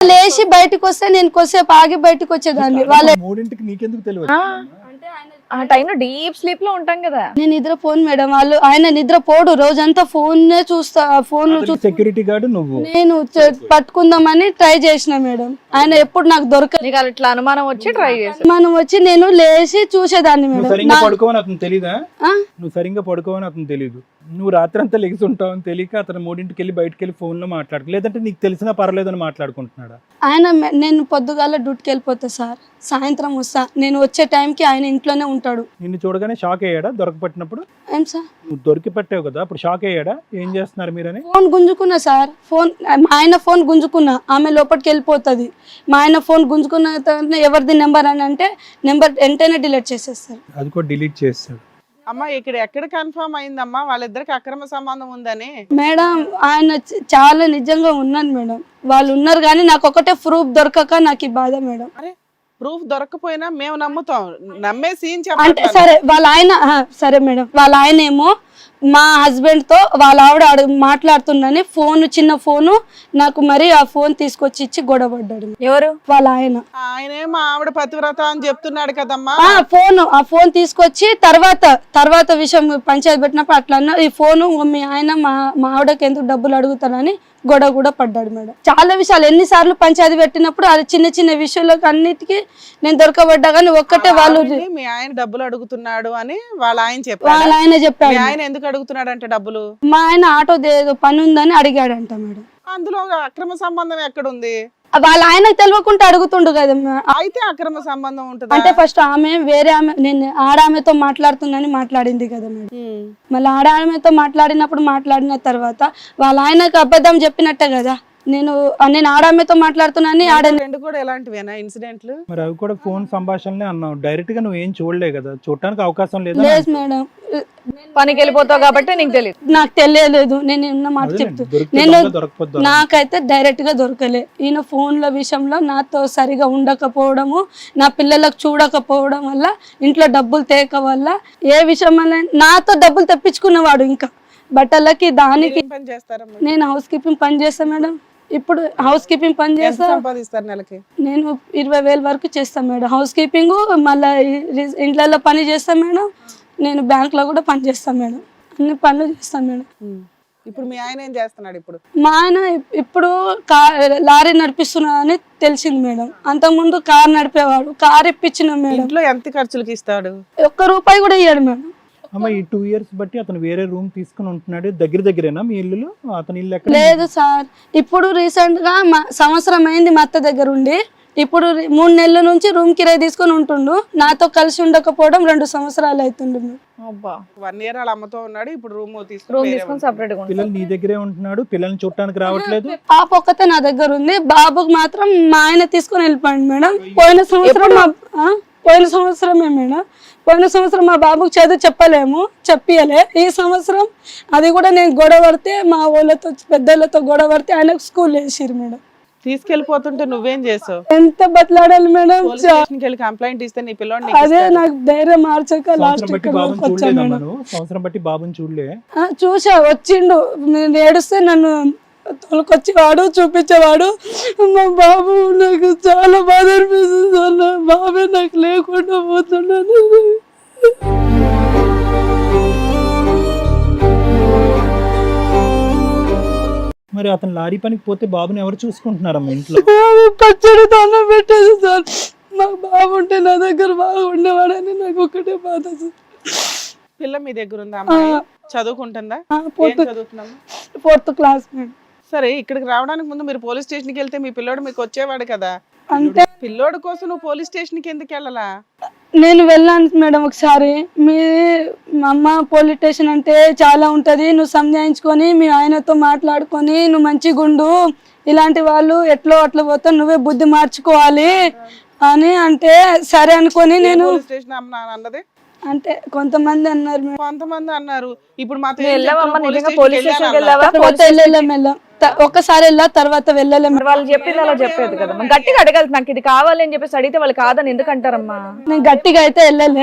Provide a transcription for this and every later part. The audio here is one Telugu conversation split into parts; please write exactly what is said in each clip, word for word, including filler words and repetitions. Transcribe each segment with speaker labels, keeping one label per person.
Speaker 1: లేచి బయటకు వస్తే నేను కొద్దిసేపు ఆగి బయటకు వచ్చేదాన్ని. వాళ్ళ
Speaker 2: మూడింటికి నీకెందుకు తెలియదు?
Speaker 3: ఆ టైంలో డీప్ స్లీప్ లో ఉంటాం కదా.
Speaker 1: నేను నిద్రపోను మేడం, వాళ్ళు ఆయన నిద్రపోడు, రోజంతా ఫోన్ చూస్తా, ఫోన్
Speaker 2: సెక్యూరిటీ గార్డు నువ్వు.
Speaker 1: నేను పట్టుకుందామని ట్రై చేసిన మేడం, ఆయన ఎప్పుడు నాకు దొరకదు.
Speaker 3: నీకు అట్లా అనుమానం వచ్చి ట్రై చేసి
Speaker 1: మనం వచ్చి నేను లేచి చూసేదాన్ని మేడం.
Speaker 2: సరిగ్గా పడుకోవని అతను తెలీదా? నువ్వు సరిగ్గా పడుకోవని అతను తెలీదు, నువ్వు రాత్రి అంతా లెగిసి ఉంటావు అని తెలియక అతను మూడింటికి వెళ్ళి బయటకు వెళ్ళి ఫోన్ లో మాట్లాడుకో, లేదంటే నీకు తెలిసినా పర్లేదని మాట్లాడుకుంటున్నాడా?
Speaker 1: ఆయన నేను పొద్దుగాల డ్యూటీకి వెళ్ళిపోతా సార్, సాయంత్రం వస్తా, నేను వచ్చే టైంకి ఆయన ఇంట్లోనే ఉంటాడు.
Speaker 2: నిన్ను చూడగానే షాక్ అయ్యాడా దొరకపట్టినప్పుడు?
Speaker 1: ఏం సార్
Speaker 2: నువ్వు దొరికి పట్టావు కదా, అప్పుడు షాక్ అయ్యాడా ఏం చేస్తున్నారు మీరని?
Speaker 1: ఫోన్ గుంజుకున్నా సార్, ఫోన్ మా ఆయన ఫోన్ గుంజుకున్నా, ఆమె లోపలికి వెళ్ళిపోతుంది. మా ఆయన ఫోన్ గుంజుకున్న తర్వాత ఎవరిది నెంబర్ అని అంటే నెంబర్ వెంటనే డిలీట్ చేసేస్తారు.
Speaker 2: అది కూడా డిలీట్ చేస్తాడు.
Speaker 4: అమ్మా ఇక్కడ ఎక్కడ కన్ఫర్మ్ అయిందమ్మా వాళ్ళిద్దరికి అక్రమ సంబంధం ఉందని?
Speaker 1: మేడం ఆయన చ- చాలా నిజంగా ఉన్నాను మేడం, వాళ్ళు ఉన్నారు కానీ నాకు ఒకటే ప్రూఫ్ దొరకక నాకు ఈ బాధ మేడం.
Speaker 4: అరే ప్రూఫ్ దొరకపోయినా మేము నమ్ముతాం, నమ్మే సీన్
Speaker 1: అంటే
Speaker 4: చెప్పండి.
Speaker 1: సరే వాళ్ళ ఆయన ఆ, సరే మేడం, వాళ్ళ ఆయన ఏమో మా హస్బెండ్ తో వాళ్ళ ఆవిడ అడుగు మాట్లాడుతుందని ఫోన్, చిన్న ఫోను నాకు మరి ఆ ఫోన్ తీసుకొచ్చి ఇచ్చి గొడవపడ్డాడు.
Speaker 3: ఎవరు?
Speaker 1: వాళ్ళ ఆయన
Speaker 4: ఆయనే మా ఆవిడ పతివ్రత అని చెప్తున్నాడు కదమ్మా.
Speaker 1: ఆ ఫోన్ ఆ ఫోన్ తీసుకొచ్చి తర్వాత తర్వాత విషయం పంచాయతీ పెట్టినప్పుడు అట్లా అన్న, ఈ ఫోను మీ ఆయన మా మా ఆవిడకి ఎందుకు డబ్బులు అడుగుతారని గొడవ కూడా పడ్డాడు మేడం. చాలా విషయాలు ఎన్నిసార్లు పంచాయతీ పెట్టినప్పుడు అది చిన్న చిన్న విషయాలకు అన్నిటికీ నేను దొరకబడ్డా కానీ ఒక్కటే వాళ్ళు
Speaker 4: ఆవిడని మీ ఆయన డబ్బులు అడుగుతున్నాడు అని వాళ్ళ ఆయన చెప్పాడు.
Speaker 1: వాళ్ళ ఆయన
Speaker 4: మీ
Speaker 1: చెప్పాడు.
Speaker 4: ఆయన ఎందుకు అడుగుతున్నాడు అంటే డబ్బులు?
Speaker 1: మా ఆయన ఆటో ఏదో పని ఉందని అడిగాడంట మేడం.
Speaker 4: అందులో అక్రమ సంబంధం ఎక్కడుంది?
Speaker 1: వాళ్ళ ఆయనకు తెలియకుండా అడుగుతుండు కదా మే-
Speaker 4: అయితే అక్రమ సంబంధం ఉంటుంది.
Speaker 1: అంటే ఫస్ట్ ఆమె వేరే ఆమె నేను ఆడామెతో మాట్లాడుతుందని మాట్లాడింది కదా మేడం. మళ్ళీ ఆడామెతో మాట్లాడినప్పుడు మాట్లాడిన తర్వాత వాళ్ళ ఆయనకు అబద్ధం చెప్పినట్టే కదా, నేను నేను ఆడామెతో మాట్లాడుతున్నాను ఆడ
Speaker 4: రెండు కూడా ఎలాంటివేనా ఇన్సిడెంట్లు?
Speaker 2: మరి అవి కూడా ఫోన్ సంభాషణలే అన్నావు, డైరెక్ట్ గా నువ్వు ఏం చూడలే కదా, చూడటానికి అవకాశం లేదా?
Speaker 1: లేదు మేడం,
Speaker 3: పనికి వెళ్ళిపోతావు కాబట్టి నీకు తెలియదు.
Speaker 1: నాకు తెలియలేదు, నేను ఉన్న మాట చెప్తూ నేను నాకైతే డైరెక్ట్ గా దొరకలే. ఈయన ఫోన్ల విషయంలో నాతో సరిగా ఉండకపోవడము, నా పిల్లలకు చూడకపోవడం వల్ల, ఇంట్లో డబ్బులు తేక వల్ల, ఏ విషయం వల్ల నాతో డబ్బులు తెప్పించుకున్నవాడు. ఇంకా బట్టలకి దానికి
Speaker 4: ఏం పని చేస్తారమ్మా?
Speaker 1: నేను హౌస్ కీపింగ్ పని చేస్తా మేడం. ఇప్పుడు హౌస్ కీపింగ్ పని
Speaker 4: ఎంత
Speaker 1: చేస్తా,
Speaker 4: సంపాదిస్తారు నెలకి?
Speaker 1: నేను ఇరవై వేల వరకు చేస్తాను మేడం. హౌస్ కీపింగ్ మళ్ళీ ఇంట్లో పని చేస్తాను మేడం, నేను బ్యాంక్ లో కూడా పని చేస్తాను మేడం, అన్ని పనులు చేస్తాను మేడం.
Speaker 4: ఇప్పుడు మీ ఆయన ఏం చేస్తున్నాడు? ఇప్పుడు
Speaker 1: మా ఆయన ఇప్పుడు కార్ లారీ నడిపిస్తున్నా అని తెలిసింది మేడం. అంతకుముందు కార్ నడిపేవాడు, కార్ ఇప్పించిన మేడం.
Speaker 4: ఇంట్లో ఎంత ఖర్చులకి ఇస్తాడు?
Speaker 1: ఒక్క రూపాయి కూడా ఇయ్యాడు మేడం.
Speaker 2: అమ్మ ఈ టూ ఇయర్స్ బట్టి అతను వేరే రూమ్ తీసుకుని ఉంటున్నాడు, దగ్గర దగ్గరేనా మీ ఇల్లు? అతని ఇల్లు ఎక్కడ?
Speaker 1: లేదు సార్, ఇప్పుడు రీసెంట్ గా మా సంవత్సరం అయింది మా అత్త దగ్గర ఉండి, ఇప్పుడు రి- మూడు నెలల నుంచి రూమ్ కిరాయి తీసుకొని ఉంటుండు. నాతో కలిసి ఉండకపోవడం రెండు సంవత్సరాలు అవుతుండు మేడం.
Speaker 3: అబ్బా,
Speaker 4: వన్ ఇయర్ వాళ్ళ అమ్మతో ఉన్నాడు, ఇప్పుడు రూమ్
Speaker 3: రూమ్
Speaker 4: తీసుకుని
Speaker 3: తీసుకొని సపరేట్ గా ఉంటావు.
Speaker 2: పిల్లలు నీ దగ్గరే ఉంటున్నాడు, పిల్లల్ని చూడటానికి రావట్లేదు.
Speaker 1: పాప ఒక్కతే నా దగ్గర ఉంది, బాబుకి మాత్రం మా ఆయన తీసుకొని వెళ్ళిపోయింది మేడం. పోయిన సంవత్సరం మా ఆ? పోయిన సంవత్సరమే మేడం, పోయిన సంవత్సరం మా బాబుకి చదువు చెప్పలేము, చెప్పియలే. ఈ సంవత్సరం అది కూడా నేను గొడవ పడితే, మా వాళ్ళతో పెద్దలతో గొడవ పడితే ఆయనకు స్కూల్ వేసిరు మేడం.
Speaker 4: తీసుకెళ్లిపోతుంటే నువ్వేం చేసావు?
Speaker 1: ఎంత బతలాడాలి మేడం.
Speaker 4: పోలీస్ స్టేషన్కి వెళ్ళి కంప్లైంట్ ఇస్తే నీ పిల్లోడిని
Speaker 1: అదే నాకు ధైర్యం మార్చక లాస్ట్
Speaker 2: సంవత్సరం బట్టి బాబుని చూడలేదా మనం? సంవత్సరం బట్టి బాబుని చూడలే.
Speaker 1: చూసా, వచ్చిండు, నేను ఏడుస్తే నన్ను తోలుకొచ్చేవాడు, చూపించేవాడు. మా బాబు నాకు చాలా బాధ అనిపిస్తుంది సార్, నా బాబే నాకు లేకుండా పోతున్నాను.
Speaker 2: మరి అతను లారీ పనికి పోతే బాబుని ఎవరు చూసుకుంటున్నారమ్మా ఇంట్లో?
Speaker 1: పచ్చడి దండం పెట్టేది సార్, మా బాబు ఉంటే నా దగ్గర బాగా ఉండేవాడని నాకు ఒకటే బాధ సార్.
Speaker 4: పిల్ల మీ దగ్గర ఉందా? అమ్మాయి చదువుకుంటుందా? ఏం చదువుతున్నామా?
Speaker 1: Fourth class madam.
Speaker 4: సరే, ఇక్కడికి రావడానికి ముందు మీరు పోలీస్ స్టేషన్కి వెళ్తే మీ పిల్లోడు మీకు వచ్చేవాడు కదా.
Speaker 1: అంటే
Speaker 4: పిల్లోడు కోసం నువ్వు పోలీస్ స్టేషన్కి ఎందుకు వెళ్ళాలా?
Speaker 1: నేను వెళ్ళాను మేడం ఒకసారి, మీ మా అమ్మ పోలీస్ స్టేషన్ అంటే చాలా ఉంటది, నువ్వు సంజాయించుకొని మీ ఆయనతో మాట్లాడుకొని నువ్వు మంచిగా ఉండు, ఇలాంటి వాళ్ళు ఎట్లో అట్లా పోతా, నువ్వే బుద్ధి మార్చుకోవాలి అని అంటే సరే అనుకొని నేను
Speaker 4: పోలీస్ స్టేషన్ అమ్మ అన్నది
Speaker 1: అంటే కొంతమంది అన్నారు మేడం.
Speaker 4: కొంతమంది అన్నారు. ఇప్పుడు మాతో
Speaker 3: వెళ్ళావమ్మా, నిజంగా పోలీస్ స్టేషన్కి వెళ్ళావా?
Speaker 1: తర్వాత వెళ్ళలేం వెళ్ళాం, ఒక్కసారి వెళ్ళా, తర్వాత వెళ్ళలేం.
Speaker 3: మరి వాళ్ళు చెప్పింది అలా చెప్పేది కదా, గట్టిగా అడగాలి. నాకు ఇది కావాలి అని చెప్పేసి అడిగితే వాళ్ళు కాదని ఎందుకు అంటారమ్మా?
Speaker 1: నేను గట్టిగా అయితే వెళ్ళలే,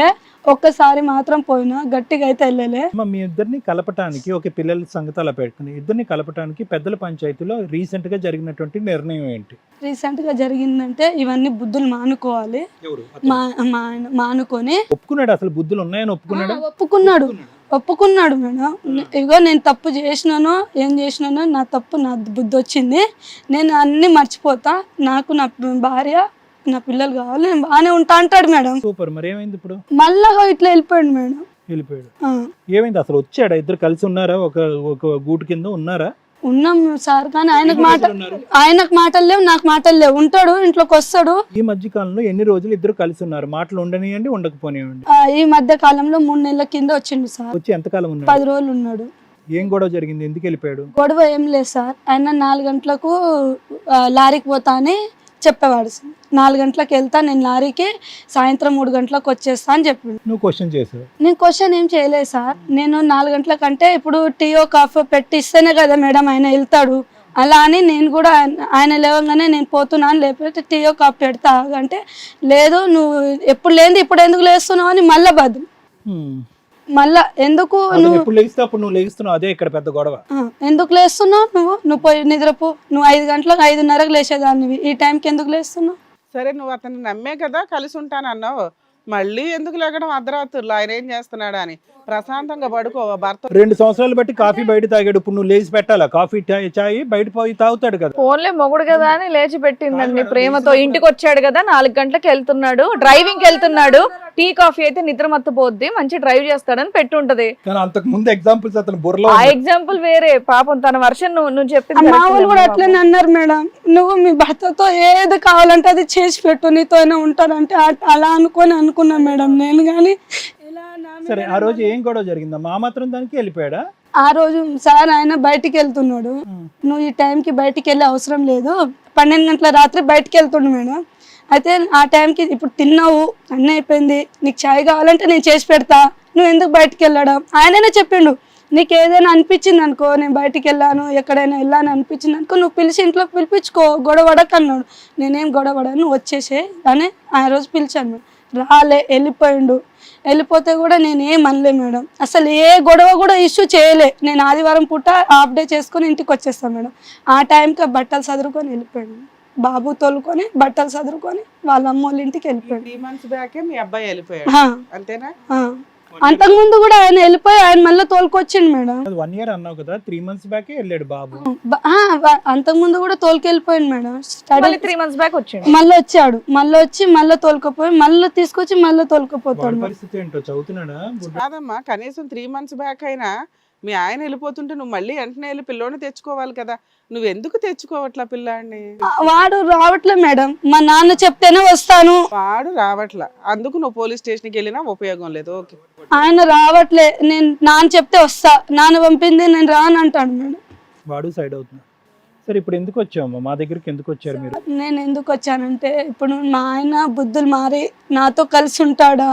Speaker 1: ఒక్కసారి మాత్రం పోయినా, గట్టిగా అయితే వెళ్ళలే.
Speaker 2: అమ్మ, మీ ఇద్దరిని కలపటానికి, ఒక పిల్లల సంగతి అలా పెట్టుకుని ఇద్దరిని కలపటానికి పెద్దల పంచాయతీలో రీసెంట్ గా జరిగినటువంటి నిర్ణయం ఏంటి?
Speaker 1: రీసెంట్ గా జరిగిందంటే ఇవన్నీ బుద్ధులు మానుకోవాలి, మా మా ఆయన మానుకొని
Speaker 2: ఒప్పుకున్నాడు. అసలు బుద్ధులు ఉన్నాయని ఒప్పుకున్నాడు.
Speaker 1: ఆ, ఒప్పుకున్నాడు ఒప్పుకున్నాడు మేడం. ఇగో నేను తప్పు చేసినానో ఏం చేసినానో, నా తప్పు, నా బుద్ధి వచ్చింది, నేను అన్ని మర్చిపోతా, నాకు నా భార్య నా పిల్లలు కావాలి, నేను బాగానే ఉంటా అంటాడు మేడం.
Speaker 2: సూపర్. మరి ఏమైంది ఇప్పుడు?
Speaker 1: మళ్ళా ఇట్లా వెళ్ళిపోయాడు మేడం.
Speaker 2: వెళ్ళిపోయాడు.
Speaker 1: ఆ,
Speaker 2: ఏమైంది? అసలు వచ్చాడా? ఇద్దరు కలిసి ఉన్నారా? ఒక ఒక గూటు కింద ఉన్నారా?
Speaker 1: ఉన్నాం సార్, కానీ ఆయనకు మాట ఆయనకు మాటలు లేవు, నాకు మాటలు లేవు. ఉంటాడు, ఇంట్లోకి వస్తాడు.
Speaker 2: ఈ మధ్య కాలంలో ఎన్ని రోజులు ఇద్దరు కలిసి ఉన్నారు? మాటలు ఉండనియండి, ఉండకపోనివ్వండి.
Speaker 1: ఆ, ఈ మధ్య కాలంలో మూడు నెలల కింద వచ్చిండు సార్.
Speaker 2: వచ్చి ఎంతకాలం ఉన్నాడు?
Speaker 1: పది రోజులు ఉన్నాడు.
Speaker 2: ఏం గొడవ జరిగింది? ఎందుకు వెళ్ళిపోయాడు?
Speaker 1: గొడవ ఏం లేదు సార్. ఆయన నాలుగు గంటలకు ఆ, లారీకి పోతా అని చెప్పేవాడు సార్. నాలుగు గంటలకు వెళ్తా నేను లారీకి, సాయంత్రం మూడు గంటలకు వచ్చేస్తా అని చెప్పిండు.
Speaker 2: నువ్వు క్వశ్చన్ చేసావు?
Speaker 1: నేను క్వశ్చన్ ఏం చేయలేదు సార్. నేను నాలుగు గంటలకంటే ఇప్పుడు టీయో కాఫీ పెట్టి ఇస్తేనే కదా మేడం ఆయన వెళ్తాడు. అలా అని నేను కూడా ఆయన- ఆయన లేవగానే నేను పోతున్నాను, లేకపోతే టీయో కాఫీ పెడతా అంటే, లేదు నువ్వు ఎప్పుడు లేనిది ఇప్పుడు ఎందుకు లేస్తున్నావు అని మళ్ళా బదులు.
Speaker 2: హ్మ్.
Speaker 1: మళ్ళా ఎందుకు
Speaker 2: అతను
Speaker 1: నువ్వు
Speaker 2: ఎప్పుడు లెగిస్తే అప్పుడు నువ్వు లెగిస్తున్నావు. అదే ఇక్కడ పెద్ద గొడవ.
Speaker 1: ఆ, ఎందుకు లేస్తున్నావు నువ్వు నువ్వు పోయి నిద్రపో, నువ్వు ఐదు గంటలకు ఐదున్నరకు లేచేదాన్ని, ఈ టైంకి ఎందుకు లేస్తున్నావు?
Speaker 4: సరే, నువ్వు అతన్ని నమ్మే కదా కలిసి ఉంటానన్నావు, మళ్ళీ ఎందుకు లేకడం అర్ధరాత్రులు? ఆయన ఏం చేస్తున్నాడా అని ప్రశాంతంగా పడుకోవా భర్త?
Speaker 2: రెండు సంవత్సరాలు బట్టి కాఫీ బయట తాగాడు. ఇప్పుడు నువ్వు లేచి పెట్టాలా? కాఫీ ఛాయ్ ఛాయ్ బయట పోయి తాగుతాడు కదా.
Speaker 3: ఫోన్లే మొగుడు కదా అని లేచి పెట్టిందండి ప్రేమతో. ఇంటికి వచ్చాడు కదా, నాలుగు గంటలకు వెళ్తున్నాడు, డ్రైవింగ్ వెళ్తున్నాడు, టీ కాఫీ అయితే నిద్ర మత్తపోద్ది, మంచి డ్రైవ్ చేస్తాడని పెట్టి ఉంటది.
Speaker 2: కానీ అంతకు ముందు ఎగ్జాంపుల్స్ అతను బుర్రలో
Speaker 3: ఆ ఎగ్జాంపుల్ వేరే. పాపం తన వర్షన్ నువ్వు నువ్వు చెప్పింది
Speaker 1: మా
Speaker 3: correct
Speaker 1: వాళ్ళు కూడా
Speaker 3: లేమ్మా
Speaker 1: అట్లనే అన్నారు మేడం. నువ్వు మీ భర్తతో ఏది కావాలంటే అది చేసి పెట్టు, నీతో అయినా ఉంటానంటే ఆ- అలా అనుకొని అనుకున్నా మేడం నేను. కానీ ఇలా నా మీద-
Speaker 2: సరే, ఆ రోజు ఏం గొడవ జరిగిందా? మా మాత్రం దానికి వెళ్ళిపోయాడా?
Speaker 1: ఆ రోజు సార్ ఆయన బయటికి వెళ్తున్నాడు, నువ్వు ఈ టైంకి బయటికి వెళ్ళే అవసరం లేదు, పన్నెండు గంటల రాత్రి బయటికి వెళ్తుండు మేడం. అయితే ఆ టైంకి ఇప్పుడు తిన్నావు, అన్నీ అయిపోయింది, నీకు చాయ్ కావాలంటే నేను చేసి పెడతా, నువ్వు ఎందుకు బయటికి వెళ్ళడం? ఆయననే చెప్పిండు, నీకు ఏదైనా అనిపించింది అనుకో, నేను బయటికి వెళ్ళాను ఎక్కడైనా వెళ్ళాను అనిపించింది అనుకో, నువ్వు పిలిచి ఇంట్లో పిలిపించుకో, గొడవడక అన్నాడు. నేనేం గొడవడ, నువ్వు వచ్చేసే అని ఆ రోజు పిలిచాను మేడం. రాలే, వెళ్ళిపోయిండు. వెళ్ళిపోతే కూడా నేను ఏం అనలే మేడం, అసలు ఏ గొడవ కూడా ఇష్యూ చేయలే. నేను ఆదివారం పూట హాఫ్ డే చేసుకొని ఇంటికి వచ్చేస్తాను మేడం. ఆ టైంకి బట్టలు చదువుకొని వెళ్ళిపోయాడు, బాబు తోలుకొని బట్టలు చదువుకొని వాళ్ళ అమ్మ వాళ్ళ ఇంటికి వెళ్ళిపోయాడు.
Speaker 4: త్రీ మంత్స్ బ్యాకే మీ అబ్బాయి వెళ్ళిపోయాడు,
Speaker 1: ఆ,
Speaker 4: అంతేనా?
Speaker 1: ఆ. అంతకుముందు కూడా ఆయన వెళ్ళిపోయి ఆయన మళ్ళీ తోలుకొచ్చిండు మేడం.
Speaker 2: వన్ ఇయర్ అన్నావు కదా, త్రీ మంత్స్ బ్యాకే వెళ్ళాడు బాబు.
Speaker 1: బ- ఆ, వ- అంతకుముందు కూడా తోలుకెళ్ళిపోయింది మేడం. స్టడీ
Speaker 3: మళ్ళీ త్రీ మంత్స్ బ్యాక్ వచ్చిండు.
Speaker 1: మళ్ళీ వచ్చాడు, మళ్ళీ వచ్చి మళ్ళీ తోలుకపోయి మళ్ళీ తీసుకొచ్చి మళ్ళీ తోలుకపోతాడు
Speaker 2: వాడి
Speaker 1: మేడం.
Speaker 2: పరిస్థితి ఏంటో చదువుతున్నాడా?
Speaker 4: కాదమ్మా, కనీసం త్రీ మంత్స్ బ్యాక్ అయినా మీ ఆయన వెళ్ళిపోతుంటే నువ్వు మళ్ళీ వెంటనే వెళ్ళి పిల్లోని తెచ్చుకోవాలి కదా, నువ్వు ఎందుకు తెచ్చుకోవట్లా పిల్లాడిని?
Speaker 1: ఆ, వాడు రావట్లే మేడం, మా నాన్న చెప్తేనే వస్తాను,
Speaker 4: వాడు రావట్లా, అందుకు నువ్వు పోలీస్ స్టేషన్కి వెళ్ళినా ఉపయోగం లేదు. ఓకే,
Speaker 1: ఆయన రావట్లే, నేను నాన్న చెప్తే వస్తా, నాన్న పంపింది నేను రాను అంటాడు మేడం.
Speaker 2: వాడు సైడ్ అవుతున్నాడు. సరే, ఇప్పుడు ఎందుకు వచ్చామమ్మా మా దగ్గరికి? ఎందుకు వచ్చారు మీరు?
Speaker 1: నేను ఎందుకు వచ్చానంటే, ఇప్పుడు మా ఆయన బుద్ధులు మారి నాతో కలిసి ఉంటాడా,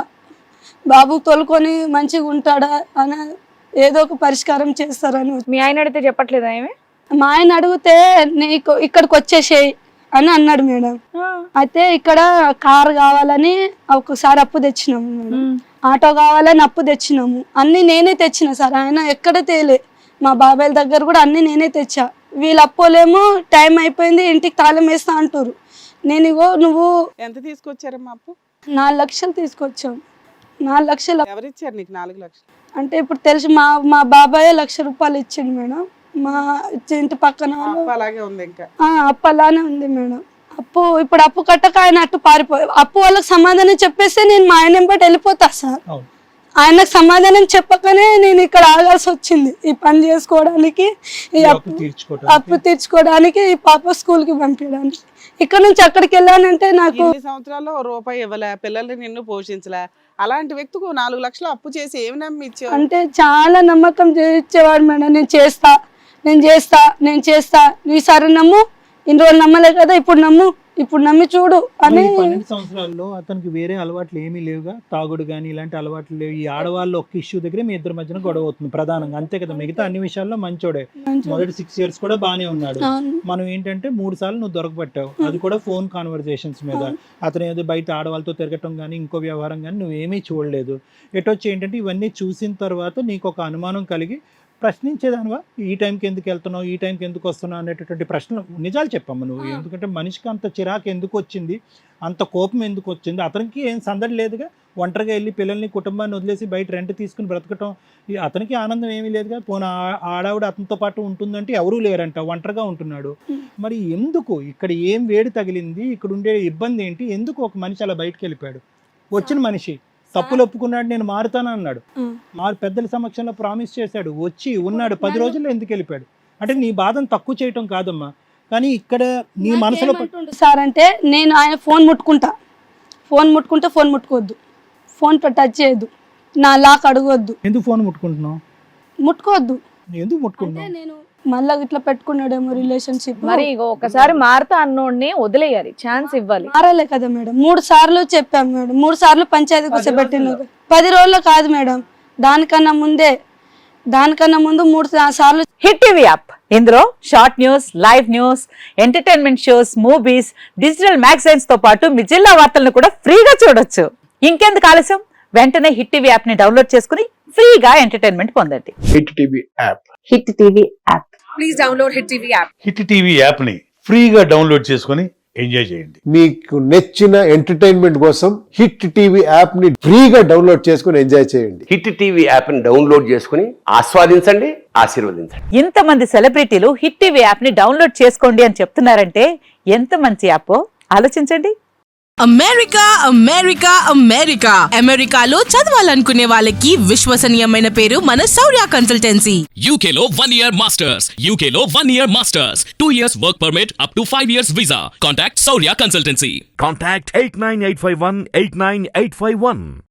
Speaker 1: బాబు తోలుకొని మంచిగా ఉంటాడా అని ఏదో ఒక పరిష్కారం చేస్తారని వచ్చి-
Speaker 3: మీ ఆయన అడిగితే చెప్పట్లేదా ఏమి?
Speaker 1: మా ఆయన అడిగితే నీకు ఇక్కడికి వచ్చేసేయి అని అన్నాడు మేడం. అయితే ఇక్కడ కార్ కావాలని ఒకసారి అప్పు తెచ్చినాము మేడం, ఆటో కావాలని అప్పు తెచ్చినాము, అన్ని నేనే తెచ్చిన సార్, ఆయన ఎక్కడ తేలే. మా బాబాయ్ దగ్గర కూడా అన్ని నేనే తెచ్చా. వీళ్ళు అప్పోలేమో టైం అయిపోయింది ఇంటికి తాళం వేస్తా అంటారు. నేను ఇగో నువ్వు
Speaker 4: ఎంత తీసుకొచ్చారమ్మా అప్పు?
Speaker 1: నాలుగు లక్షలు తీసుకొచ్చావు. నాలుగు లక్షలు
Speaker 4: ఎవరిచ్చారు నీకు నాలుగు లక్షలు?
Speaker 1: అంటే ఇప్పుడు తెలిసి మా మా బాబాయ్ లక్ష రూపాయలు ఇచ్చిండు మేడం. మా ఇంటి పక్కన వాళ్ళు
Speaker 4: అప్పు అలాగే ఉంది ఇంకా.
Speaker 1: ఆ, అప్పు అలానే ఉంది మేడం. అప్పు ఇప్పుడు అప్పు కట్టక ఆయన అట్టు పారిపోయి అప్పు వాళ్ళకి సమాధానం చెప్పేస్తే నేను మా ఆయన వెంబడి వెళ్ళిపోతా సార్.
Speaker 2: అవును.
Speaker 1: ఆయనకు సమాధానం చెప్పకనే నేను ఇక్కడ ఆగాల్సి వచ్చింది ఈ పని చేసుకోవడానికి, ఈ
Speaker 2: ఈ
Speaker 1: అప్పు
Speaker 2: అప్పు తీర్చుకోవటానికి.
Speaker 1: అప్పు తీర్చుకోవడానికి, ఈ పాప స్కూల్కి పంపించడానికి. ఇక్కడ నుంచి అక్కడికి వెళ్ళానంటే నాకు
Speaker 4: ఇన్ని సంవత్సరాల్లో ఓ రూపాయి ఇవ్వలే, పిల్లల్ని నిన్ను పోషించలే, అలాంటి వ్యక్తికి ఓ నాలుగు లక్షలు అప్పు చేసి ఏమి నమ్మి ఇచ్చావు?
Speaker 1: అంటే చాలా నమ్మకం చేయించేవాడు మేడం. నేను చేస్తా నేను చేస్తా నేను చేస్తా ఈసారి నమ్ము, ఇన్ని రోజులు నమ్మలే కదా ఇప్పుడు నమ్ము, ఇప్పుడు నమ్మి చూడు అని.
Speaker 2: ఈ పన్నెండు సంవత్సరాల్లో అతనికి వేరే అలవాట్లు ఏమీ లేవుగా, తాగుడు కానీ ఇలాంటి అలవాట్లు లేవు. ఈ ఆడవాళ్ళు ఒక్క ఇష్యూ దగ్గర మీ ఇద్దరి మధ్యన గొడవ అవుతుంది ప్రధానంగా, అంతే కదా? మిగతా అన్ని విషయాల్లో మంచోడే. మొదటి సిక్స్ ఇయర్స్ కూడా బానే ఉన్నాడు. మనం ఏంటంటే మూడు సార్లు నువ్వు దొరకబట్టావు, అది కూడా ఫోన్ కాన్వర్జేషన్స్ మీద. అతను ఏదో బయట ఆడవాళ్ళతో తిరగటం కానీ ఇంకో వ్యవహారం కానీ నువ్వేమీ చూడలేదు. ఎటొచ్చి ఏంటంటే ఇవన్నీ చూసిన తర్వాత నీకు ఒక అనుమానం కలిగి ప్రశ్నించేదానివా, ఈ టైంకి ఎందుకు వెళ్తున్నావు, ఈ టైంకి ఎందుకు వస్తున్నావు అనేటటువంటి ప్రశ్నలు నిజాలు చెప్పమ్మా నువ్వు. ఎందుకంటే మనిషికి అంత చిరాకు ఎందుకు వచ్చింది, అంత కోపం ఎందుకు వచ్చింది? అతనికి ఏం సందడి లేదుగా, ఒంటరిగా వెళ్ళి పిల్లల్ని కుటుంబాన్ని వదిలేసి బయట రెంట్ తీసుకుని బ్రతకటం, అతనికి ఆనందం ఏమీ లేదుగా. పోనీ ఆడావిడ అతనితో పాటు ఉంటుందంటే ఎవరూ లేరంట, ఒంటరిగా ఉంటున్నాడు. మరి ఎందుకు ఇక్కడ ఏం వేడి తగిలింది, ఇక్కడ ఉండే ఇబ్బంది ఏంటి, ఎందుకు ఒక మనిషి అలా బయటకు వెళ్ళిపోయాడు? వచ్చిన మనిషి తప్పులు ఒప్పుకున్నాడు, నేను మారుతాను అన్నాడు, మారు పెద్దల సమక్షంలో ప్రామిస్ చేశాడు, వచ్చి ఉన్నాడు, పది రోజుల్లో ఎందుకు వెళ్ళిపోయాడు? అంటే నీ బాధను తక్కువ చేయటం కాదమ్మా, కానీ ఇక్కడ నీ మనసులో
Speaker 1: సార్ అంటే నేను ఆయన ఫోన్ ముట్టుకుంటా, ఫోన్ ముట్టుకుంటే ఫోన్ ముట్టుకోవద్దు, ఫోన్ టచ్ చేయొద్దు, నా లాక్ అడగొద్దు.
Speaker 2: ఎందుకు ఫోన్ ముట్టుకుంటున్నావు?
Speaker 1: ముట్టుకోవద్దు.
Speaker 2: ఎందుకు ముట్టుకుంటున్నావు?
Speaker 1: నేను మళ్ళా ఇట్లా పెట్టుకున్నాడేమో రిలేషన్షిప్.
Speaker 3: మరి ఇగో ఒకసారి మారుతా అన్నోడిని వదిలేయాలి, ఛాన్స్ ఇవ్వాలి.
Speaker 1: మారాలే కదా మేడం, మూడు సార్లు చెప్పాం మేడం, మూడు సార్లు పంచాయతీ కూర్చోబెట్టిన. పది రోజుల్లో కాదు మేడం, దానికన్నా ముందే, దానికన్నా ముందు మూడు సార్లు.
Speaker 5: హిట్ టీవీ యాప్, ఇందులో short news, live news, entertainment shows, movies, digital magazines తో పాటు మీ జిల్లా వార్తలను కూడా ఫ్రీగా చూడొచ్చు. ఇంకెందుకు ఆలస్యం, వెంటనే హిట్ టీవీ యాప్ ని డౌన్లోడ్ చేసుకుని ఫ్రీగా ఎంటర్టైన్మెంట్ పొందండి.
Speaker 6: Hit TV app.
Speaker 5: Hit TV app.
Speaker 7: Please download hit TV app.
Speaker 8: Hit TV app ని ఫ్రీగా డౌన్లోడ్ చేసుకొని ఎంజాయ్ చేయండి.
Speaker 6: మీకు నచ్చిన ఎంటర్టైన్మెంట్ కోసం హిట్ టీవీ యాప్ ని ఫ్రీగా డౌన్లోడ్ చేసుకొని ఎంజాయ్ చేయండి.
Speaker 9: హిట్ టీవీ యాప్ ని డౌన్లోడ్ చేసుకుని ఆస్వాదించండి, ఆశీర్వదించండి.
Speaker 5: ఇంతమంది సెలబ్రిటీలు హిట్ టీవీ యాప్ ని డౌన్లోడ్ చేసుకోండి అని చెప్తున్నారంటే ఎంత మంచి యాప్ ఆలోచించండి.
Speaker 7: అమెరికా అమెరికా అమెరికా అమెరికాలో చదవాలనుకునే వాళ్ళకి విశ్వసనీయమైన పేరు మన శౌర్య కన్సల్టెన్సీ.
Speaker 10: U K లో one year masters, U K లో one year masters, two years work permit up to five years visa. Contact Saurya Consultancy.
Speaker 11: Contact eight nine eight five one eight nine eight five one.